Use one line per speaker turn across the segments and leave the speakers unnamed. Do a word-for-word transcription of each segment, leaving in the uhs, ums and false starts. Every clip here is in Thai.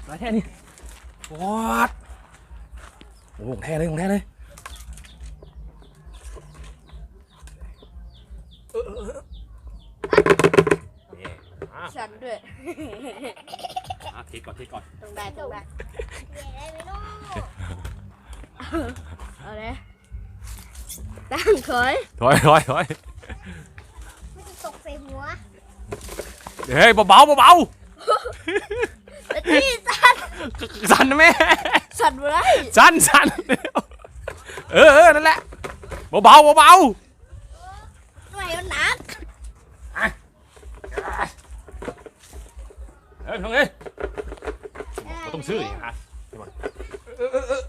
มาแค่นี้วอดโอ้โหแท้เลยของแท้เลย
ฉันด้วย
เทก่อนเทก่อน
ต้องได้ต้องได้เอาเลยตั้งถอย
ถอยถอยถอย
ไม่จะตกใส่หัว
เฮ้ยเบาเบาเบา
ที่สั่น
สั่นนะแม่
สั่นอะไร
สั่นสั่นเออเออนั่นแหละเบาเบาเบา
ไม่เอาหนัก
เฮ้ยทำไงต้องซื้ออีกฮะเออเออเออ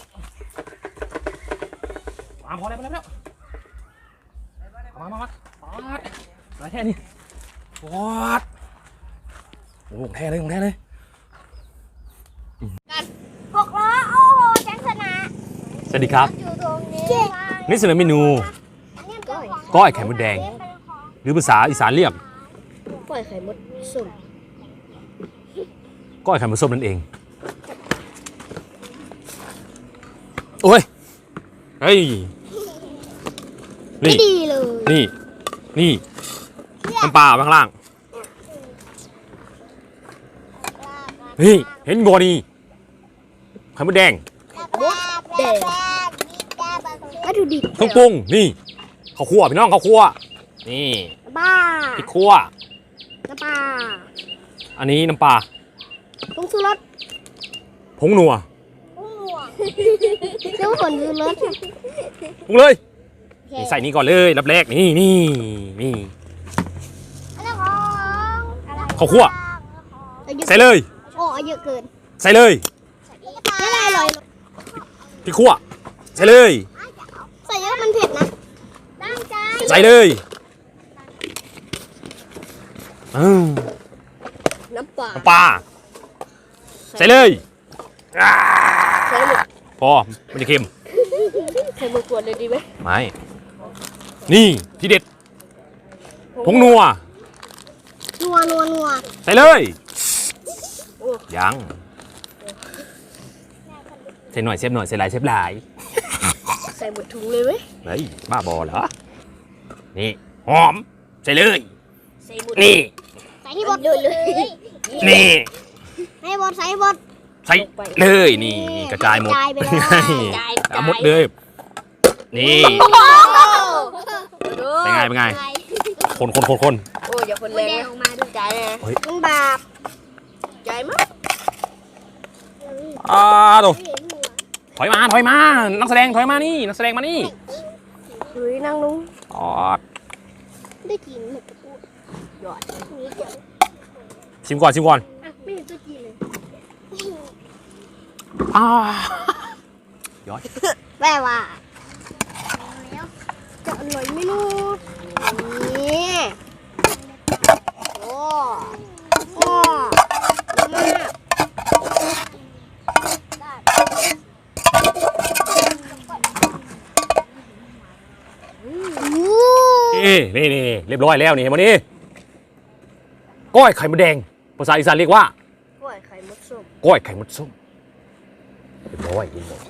มาพอแล้วพอแล้วมามามามาแค่นี้วอดโอ้โหแท้เลยของแท้เลย
หกล้อโอ้โหแจ็คชนะ
สวัสดีครับนี่เสนอเมนูก้อยไข่มดแดงหรือภาษาอีสานเรียก
ก้อยไข่มดส้ม
ก้อยไข่มดส้มนั่นเองโอ้ยเฮ้ย
นี่ดีเลย
นี่นี่น้ำปลาข้างล่างนี่เห็นบัวนี่ไข่มดแดง
มดแดงวัตถุดิบ
เครื่องปรุงนี่ข้าวคั่วพี่น้องข้าวคั่วนี่
บ้า
พริกคั่ว
น้ำปลา
อันนี้น้ำปลา
ผงชูรส
ผงนัว
ผงนัวเจ้าผงชูรส
ปรุงเลยนี่ใส่นี่ก่อนเลยรับแรกนี่นี่นี่ข้าวคั่วใส่เลย
โอ้เยอะเกิน
ใส่เลย
ไม่ได้เลย
พริกคั่วใส่เลย
ใส่เยอะมันเผ็ดนะ
ใส่เลย
น้ำปลา
น้ำปลาใส่เลยพอมันจะเค็ม
ใส่หมดขวดเลยดีไหม
ไม่นี่ที่เด็ดผงนัว
นัวนัวนัว
ใส่เลยยังใส่หน่อยเซฟหน่อยใส่หลายเซฟหลาย
ใส่หมดถุงเลยไหม
เฮ้ยบ้าบอเหรอนี่หอมใส่เลยนี่
ใส่ให้หมดเลย
นี่
ให้หมดใส่หมด
ใส่เลยนี่กระจายหมดเอาหมดเลยนี่เป็นไงเป็นไงคนคนคนคน
โอ้ยอย่าคนแรงออกมาดูใจเลยมันบาปใจมั้ย
อ่าดูถอยมาถอยมานักแสดงถอยมานี่นักแสดงมานี่
เฮ้ยนั่งลง
อ๋อ
ได้กินหมดปุ๊บหยอดนี้เดี๋ยว
ชิมก่อนชิมก่อน
ไม่เห็นตัวกินเลย
อ่าย้อย
แม่ว่าจะอร่อยไหมลูกนี่โอ้โอ้มาก
นี่นี่นี่เรียบร้อยแล้วนี่เห็นไหมนี่ก้อยไข่มดแดงภาษาอีสานเรียกว่า
ก้อยไข่มดส้ม
ก้อยไข่มดส้มเรียบร้อยเรียบร้อย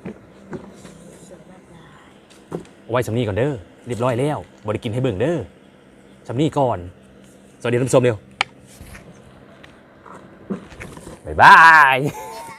เอาไว้สำนีก่อนเด้อเรียบร้อยแล้วบริกินให้เบิ่งเด้อสำนีก่อนสวัสดีท่านผู้ชมเร็วบ๊ายบาย